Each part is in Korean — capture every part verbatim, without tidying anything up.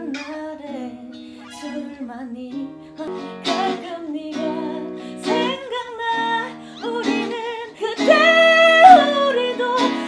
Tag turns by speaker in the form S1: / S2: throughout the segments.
S1: 울적한 날에 술을 많이 가끔 네가 생각나. 우리는 그때 우리도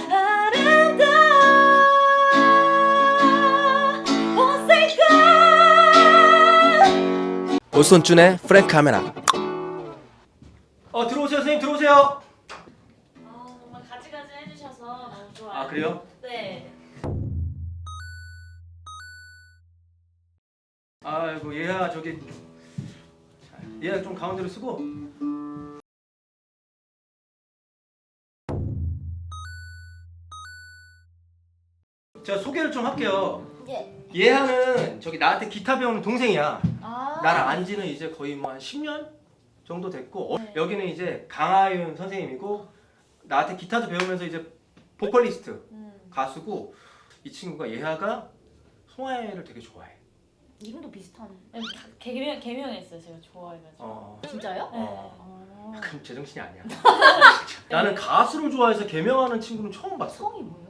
S1: 아름다워. Won't say goodbye.
S2: 오손준의 프랭크 카메라.
S3: 어 들어오세요 선생님 들어오세요.
S1: 아, 정말 가지가지 해주셔서 너무 좋아요.
S3: 아 그래요?
S1: 네.
S3: 아이고 얘야 저기 얘야 좀 가운데로 쓰고. 제가 소개를 좀 할게요.
S1: 예.
S3: 얘하는 저기 나한테 기타 배우는 동생이야.
S1: 아.
S3: 나랑 안지는 이제 거의 뭐 한 십 년 정도 됐고 어,
S1: 네.
S3: 여기는 이제 강하윤 선생님이고 나한테 기타도 배우면서 이제 보컬리스트
S1: 음.
S3: 가수고 이 친구가 예하가 송하예를 되게 좋아해.
S4: 이름도 비슷하네.
S1: 개명 개명했어요. 제가 좋아해가지고.
S3: 어.
S4: 진짜요?
S1: 네.
S3: 어.
S4: 아,
S3: 그럼 제정신이 아니야. 나는 가수를 좋아해서 개명하는 친구는 처음 봤어.
S4: 성이 뭐예요?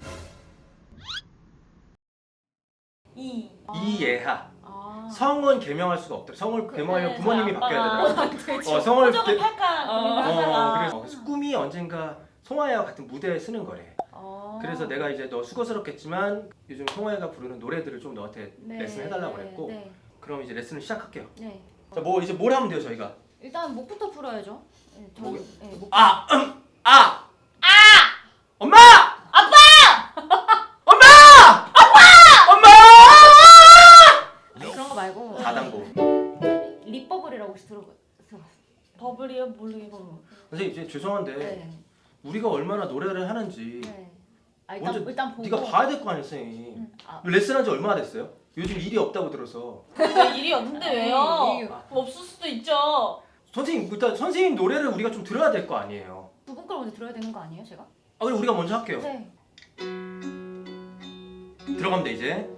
S1: 이.
S3: 이예하.
S4: 아.
S3: 성은 개명할 수가 없더라. 성을
S1: 그,
S3: 개명하려면
S1: 네,
S3: 부모님이
S1: 저희
S3: 바뀌어야
S1: 아빠가
S3: 되더라. 어, 성을
S1: 호적을
S3: 개-
S1: 팔까
S4: 어,
S1: 고민을
S3: 어,
S1: 하다가
S3: 그래서 그래서 꿈이 언젠가 송하예와 같은 무대에 쓰는 거래.
S4: 아.
S3: 그래서 내가 이제 너 수고스럽겠지만 요즘 송하예가 부르는 노래들을 좀 너한테
S4: 네,
S3: 레슨 해달라고
S4: 네,
S3: 그랬고
S4: 네.
S3: 그럼 이제 레슨을 시작할게요.
S4: 네.
S3: 자, 뭐 이제 뭘 하면 돼요 저희가?
S4: 일단 목부터 풀어야죠. 네, 저,
S3: 목이-
S4: 네, 목.
S3: 아, 음, 아, 아, 엄마,
S1: 아빠!
S3: 엄마, 아빠, 엄마.
S4: 그런 거 말고
S3: 다단고.
S4: 립버블이라고 혹시 들어보 들어봤어요?
S1: 버블이요? 모르겠어.
S3: 선생님 이제 죄송한데
S4: 네.
S3: 우리가 얼마나 노래를 하는지
S4: 네. 아, 일단
S3: 먼저
S4: 일단 보고.
S3: 네가 봐야 될 거 아니에요, 선생님.
S4: 음, 아,
S3: 레슨한 지 얼마나 됐어요? 요즘 일이 없다고 들어서.
S1: 왜 일이 없는데 왜요?
S4: 아니, 이게-
S1: 없을 수도 있죠.
S3: 선생님 일단 선생님 노래를 우리가 좀 들어야 될 거 아니에요.
S4: 두분 걸 먼저 들어야 되는 거 아니에요, 제가?
S3: 아 그럼 우리가 먼저 할게요.
S4: 네.
S3: 들어가면 돼 이제.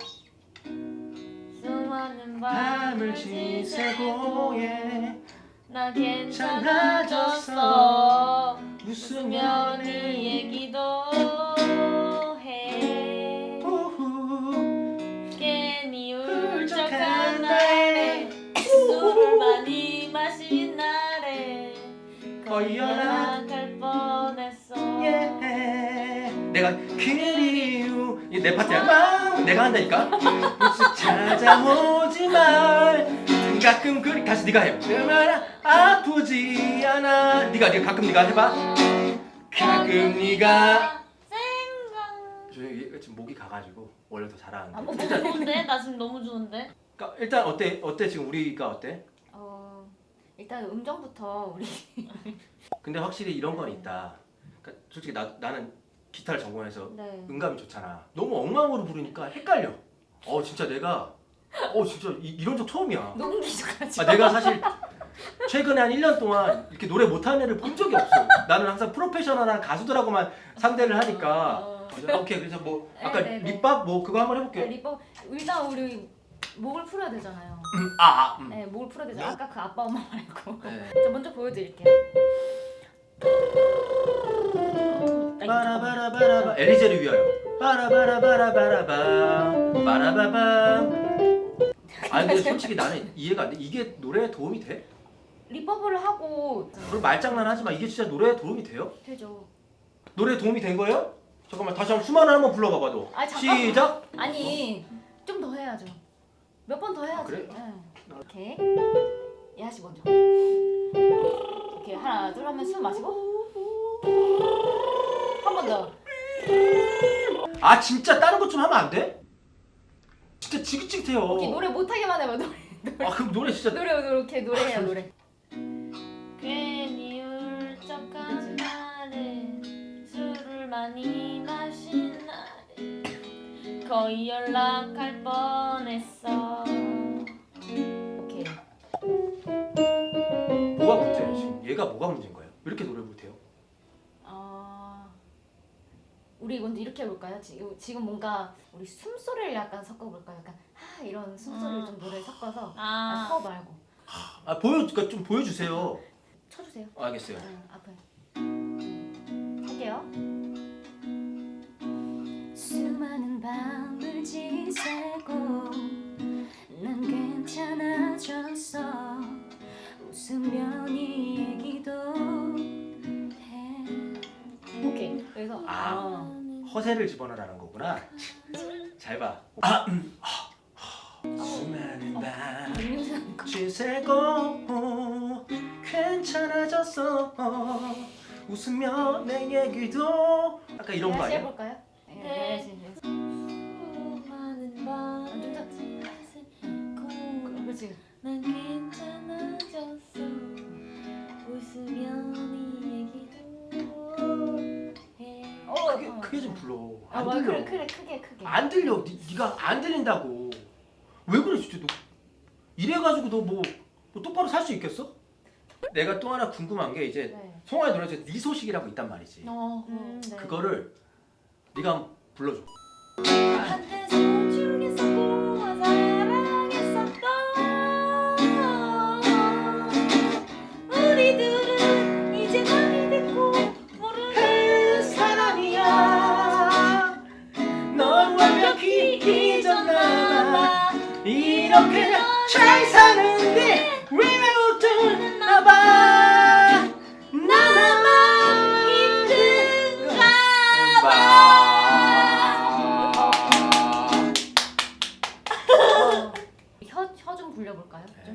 S1: 수많은
S3: 밤을 지새고 예.
S1: 나 괜찮아졌어.
S3: 웃으면
S1: 웃으면 이 얘기도 해.
S3: 오후
S1: 괜히 울적한 날에 술을 많이 마신 날에 거의 연락할 뻔했어.
S3: 예. 내가 그리우 이게 내 파트야. 막 내가 한다니까. 무슨 찾아오지 말. 가끔 그리 다시 네가 해. 그만 아프지 않아. 네가 네가 가끔 네가 해봐. 가끔 네가.
S1: 생각.
S3: 저 얘 지금 목이 가가지고 원래 더 잘하는데.
S4: 아, 뭐,
S1: 너무 좋은데? 나 지금 너무 좋은데?
S3: 그러니까 일단 어때 어때 지금 우리가 어때?
S4: 어, 일단 음정부터 우리.
S3: 근데 확실히 이런 건 있다. 그러니까 솔직히 나 나는 기타를 전공해서
S4: 네.
S3: 음감이 좋잖아. 너무 엉망으로 부르니까 헷갈려. 어 진짜 내가 어 진짜 이, 이런 적 처음이야.
S4: 너무 기적하지.
S3: 아, 내가 사실 최근에 한 일 년 동안 이렇게 노래 못하는 애를 본 적이 없어. 나는 항상 프로페셔널한 가수들하고만 상대를 하니까.
S4: 어.
S3: 오케이 그래서 뭐 아까
S4: 네, 네, 네.
S3: 밑밥 뭐 그거 한번
S4: 네,
S3: 해볼게.
S4: 립버 일단 우리 목을 풀어야 되잖아요.
S3: 음, 아, 아 음.
S4: 네, 목을 풀어야 되잖아요. 아까 그 아빠 엄마 말고.
S3: 네.
S4: 저 먼저 보여드릴게요.
S3: 바라바라바라바 엘리제를 위하여 바라바라바라바라밤 바라바밤. 아니 근데 솔직히 나는 이해가 안 돼. 이게 노래에 도움이 돼?
S4: 립버블을 하고
S3: 그리고 말장난 하지 마. 이게 진짜 노래에 도움이 돼요?
S4: 되죠.
S3: 노래에 도움이 된 거예요? 잠깐만 다시 한번 수만을 한번 불러봐봐 너.
S4: 아, 잠깐만.
S3: 시작.
S4: 아니 좀 더 해야죠. 몇 번 더 해야죠.
S3: 아, 그래?
S4: 네. 오케이. 예하 씨 먼저. 오케이 하나 둘 하면 숨 마시고 한 번 더.
S3: 아 진짜 다른 것 좀 하면 안 돼? 진짜 지긋지긋해요.
S4: 오케이 노래 못하게만 해봐 노래.
S3: 아 그럼 노래 진짜.
S4: 노래 이렇게 노래해요 노래.
S1: 괜히 울적한 날에 술을 많이 마신 날에 거의 연락할 뻔했어.
S4: 오케이.
S3: 뭐가 문제야 지금? 얘가 뭐가 문제인 거예요? 왜 이렇게 노래 못해요?
S4: 어... 우리 먼저 이렇게 해볼까요? 지금 지금 뭔가 우리 숨소리를 약간 섞어볼까요? 약간 하 이런 숨소리를
S1: 음.
S4: 좀 노래 섞어서
S1: 아,
S4: 아, 서 말고
S3: 아 보여 그러니까 좀 보여주세요.
S4: 쳐주세요.
S3: 아, 알겠어요.
S4: 네, 앞에 할게요. 수많은 밤을 지새고 찾아줬어 웃으며 네 얘기도 해. 오케이. 그래서
S3: 아.
S4: 어.
S3: 허세를 집어넣으라는 거구나. 잘 봐. 아, 음. 아, 아. 수많은 밤
S4: 음료수 한 거.
S3: 지새고 괜찮아졌어 웃으며 내 얘기도 아까 이런 거
S4: 다시
S3: 아니야?
S4: 해볼까요? 네.
S1: 네.
S4: 네. 네.
S1: 수많은 밤
S4: 좀 작지?
S1: 고
S4: 그렇지.
S1: 난 괜찮아졌어 웃으며 네 얘기도 해.
S4: 어,
S3: 크게,
S4: 어.
S3: 크게 좀 불러.
S4: 아,
S3: 안
S4: 맞아.
S3: 들려.
S4: 그래, 그래, 크게, 크게.
S3: 안 들려. 니, 니가 안 들린다고. 왜 그래 진짜 너. 이래가지고 너 뭐 너 똑바로 살 수 있겠어? 내가 또 하나 궁금한 게 이제
S4: 네.
S3: 송아의 노래 중에 네 소식이라고 있단 말이지.
S4: 어,
S1: 음,
S4: 네.
S3: 그거를 네가 한번 불러줘.
S1: 한때 소중했었고 사랑했었던 우리들은 이제 남이 됐고 모르는
S3: 사람이야. 넌 완벽히 잊었나봐. 이렇게 잘 사는데 왜 웃었나봐.
S1: 나만 힘든가
S4: 혀, 혀 좀 불려볼까요? 좀.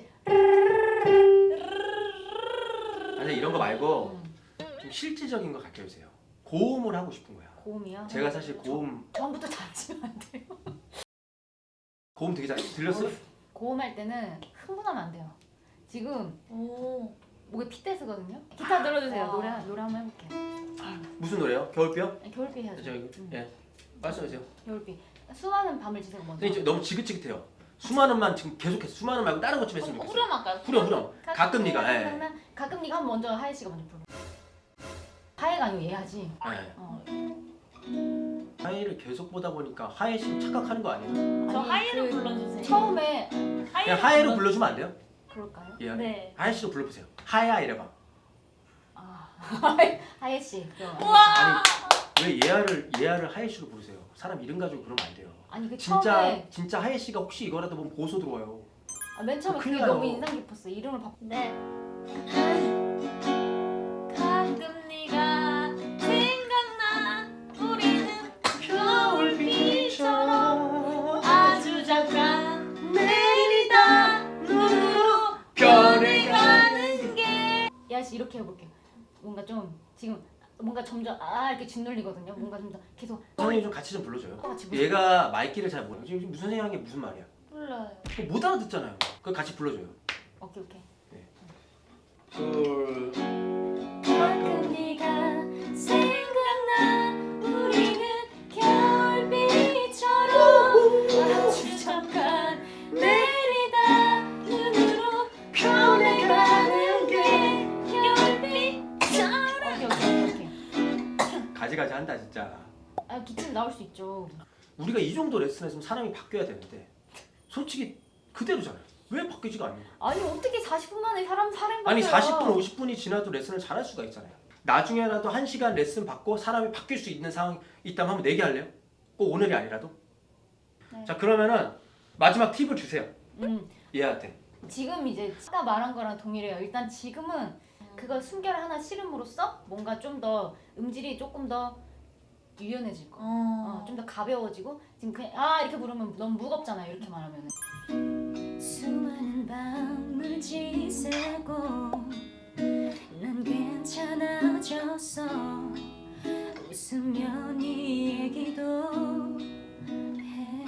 S3: 아니 이런 거 말고
S4: 음,
S3: 좀 실질적인 거 가르쳐 주세요. 고음을 하고 싶은 거야.
S4: 고음이요?
S3: 제가 사실 고음
S4: 처음부터 잘하시면 안 돼요.
S3: 고음 되게 잘 들렸어?
S4: 고음할 때는 흥분하면 안 돼요. 지금
S1: 오
S4: 목에 핏대스거든요. 기타 들어주세요.
S1: 와.
S4: 노래 노래 한번 해볼게요.
S3: 무슨 노래요? 겨울비요?
S4: 겨울비 해야죠.
S3: 저 이거
S4: 음,
S3: 예 말씀하세요.
S4: 겨울비. 수많은 밤을 지새고 먼저.
S3: 근데 이제 너무 지긋지긋해요. 수많은만 지금 계속해서 수많은 말고 다른 것 좀 했으면 좋겠어요.
S1: 후렴 할까요?
S3: 후렴 후렴. 가끔 네가 예.
S4: 생각나? 가끔 네가 한번 먼저 하혜 씨가 먼저 불러. 하혜가 아니고 얘 하지.
S3: 예.
S4: 어.
S3: 하이를 계속 보다 보니까 하이 씨 착각하는 거 아니에요?
S1: 저
S4: 아니,
S1: 하이로
S4: 그
S1: 불러주세요.
S4: 처음에
S3: 그냥 하이로 불러주면 안 돼요?
S4: 그럴까요?
S3: 예.
S1: 네.
S3: 하이 씨로 불러보세요. 하야 이래봐.
S4: 아 하혜 씨. 그럼.
S1: 우와.
S3: 왜 예아를 예아를 하이 씨로 부르세요? 사람 이름 가지고 그러면 안 돼요.
S4: 아니 그
S3: 진짜
S4: 처음에
S3: 진짜 하이 씨가 혹시 이거라도 보면 보소 들어와요.
S4: 아, 맨 처음에
S3: 큰일
S4: 그게
S3: 나요.
S4: 너무 인상 깊었어. 이름을 바꿔.
S1: 네. 가끔 네가 생각나 우리는 겨울비처럼 아주 잠깐 내리다 눈으로 변해가는 게
S4: 야씨 이렇게 해볼게요. 뭔가 좀 지금 뭔가 점점 아 이렇게 짓눌리거든요. 뭔가 좀 더 계속
S3: 선생님 좀 같이 좀 불러줘요.
S4: 같이 불러.
S3: 얘가 말귀를 잘 모르. 지금 무슨 생각한 게 무슨 말이야?
S1: 불러요.
S3: 그거 못 알아듣잖아요. 그거 같이 불러줘요.
S4: 오케이 오케이.
S3: 둘.
S1: 가끔 네가 생각나 우리는 겨울비처럼 아주 잠깐 내리다 눈으로 변해가는 게 겨울비처럼
S4: 오케이 오케이 오케이.
S3: 가지가지 한다 진짜.
S4: 아 기침 나올 수 있죠.
S3: 우리가 이 정도 레슨했으면 사람이 바뀌어야 되는데 솔직히 그대로잖아요. 왜 바뀌지가 않는 거야?
S4: 아니 어떻게 사십 분 만에 사람 사람 바뀌어요?
S3: 아니 사십 분, 오십 분이 지나도 레슨을 잘할 수가 있잖아요. 나중에라도 한 시간 레슨 받고 사람이 바뀔 수 있는 상황이 있다면 한번 내기할래요? 꼭 오늘이 아니라도?
S4: 네.
S3: 자 그러면은 마지막 팁을 주세요.
S4: 음
S3: 얘한테.
S4: 지금 이제 아까 말한 거랑 동일해요. 일단 지금은 그걸 숨결 하나 실음으로써 뭔가 좀 더 음질이 조금 더 유연해질 거. 어, 좀 더 가벼워지고 지금 그냥 아 이렇게 부르면 너무 무겁잖아요. 이렇게 말하면은. 수많은 밤을 지새고 난 괜찮아졌어 웃으며 네 얘기도 해.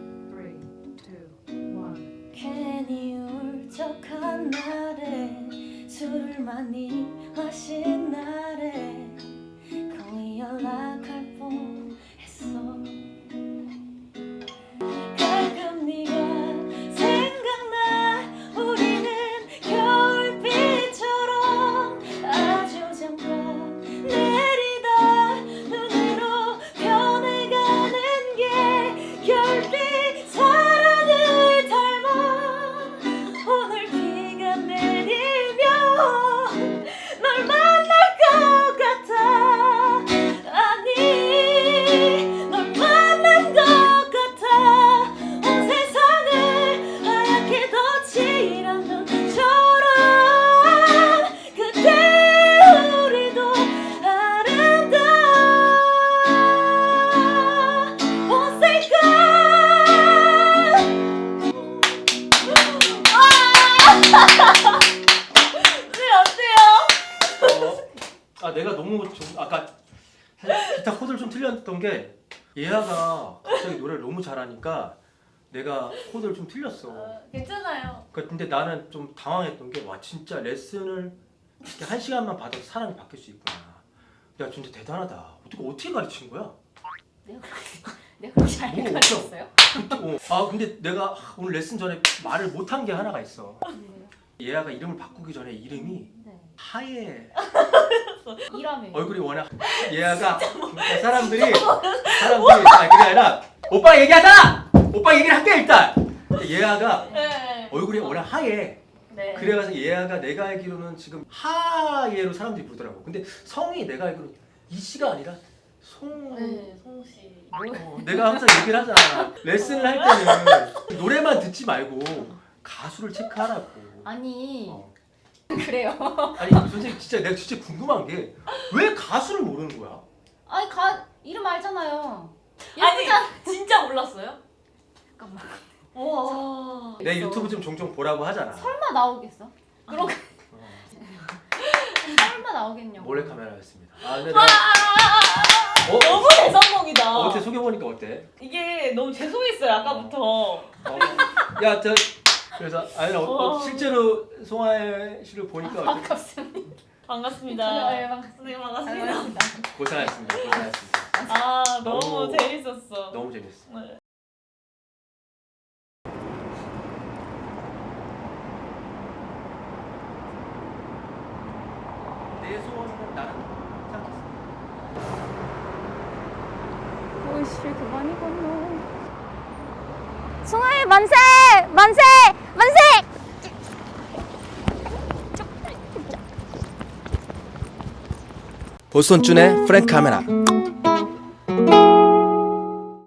S1: 괜히 울적한 날에 술을 많이 마신 날에 거의 연락할 뻔했어. 가끔 네가 생각나 우리는 겨울비처럼 아주 잠깐 내리다 눈으로 변해가는 게 겨울비 사랑을 닮아. 오늘 비가 내리면 널 만날까
S3: 웃겼던 게 예아가 갑자기 노래를 너무 잘하니까 내가 코드를 좀 틀렸어.
S1: 어, 괜찮아요.
S3: 그 근데 나는 좀 당황했던 게 와 진짜 레슨을 이렇게 한 시간만 받아서 사람이 바뀔 수 있구나. 야 진짜 대단하다. 어떻게 어떻게 가르친 거야?
S4: 내가 그렇게 내가 그렇게 잘
S3: 뭐,
S4: 가르쳤어요?
S3: 그때, 어. 아 근데 내가 아, 오늘 레슨 전에 말을 못한 게 하나가 있어.
S4: 네.
S3: 예아가 이름을 바꾸기 전에 이름이
S4: 네.
S3: 하얘.
S4: 이라며.
S3: 얼굴이 워낙 예아가 그러니까 사람들이 사람들이 아 그게 아니라 오빠 얘기하자. 오빠 얘기를 할게 일단. 예아가
S1: 네.
S3: 얼굴이 워낙 하얘.
S1: 네.
S3: 그래가지고 예아가 내가 알기로는 지금 하예로 사람들이 부르더라고. 근데 성이 내가 알기로 이씨가 아니라 송.
S1: 네, 성우 씨.
S3: 어, 내가 항상 얘기를 하잖아. 레슨을 할 때는 노래만 듣지 말고 가수를 체크하라고.
S4: 아니
S3: 어.
S4: 그래요.
S3: 아니 선생님 진짜 내가 진짜 궁금한 게 왜 가수를 모르는 거야?
S4: 아니 가 이름 알잖아요.
S1: 아니
S4: 예쁘잖아.
S1: 진짜 몰랐어요?
S4: 잠깐만.
S1: 와.
S3: 내 유튜브 좀 종종 보라고 하잖아.
S4: 설마 나오겠어? 그럼
S3: 어,
S4: 설마 나오겠냐고.
S3: 몰래 카메라였습니다. 아 근데 내가 어?
S1: 너무 대성공이다.
S3: 어, 어때 소개 보니까 어때?
S1: 이게 너무 죄송했어요 아까부터.
S3: 어, 야 저 그래서 아니 어, 어,
S1: 어.
S3: 실제로 송하혜 씨를 보니까 어때?
S4: 반갑습니다.
S1: 반갑습니다.
S4: 네, 반갑습니다.
S1: 선생님 반갑습니다.
S4: 반갑습니다.
S3: 고생하셨습니다. 고생하셨습니다.
S1: 아 너무,
S3: 너무-
S1: 재밌었어.
S3: 너무 재밌어.
S1: 네.
S3: 내 소원은 나는 생각했어.
S5: 오이씨 그만이 건너. 송하혜 만세! 만세! 만세!
S2: 보스턴 준의 프랭크 카메라.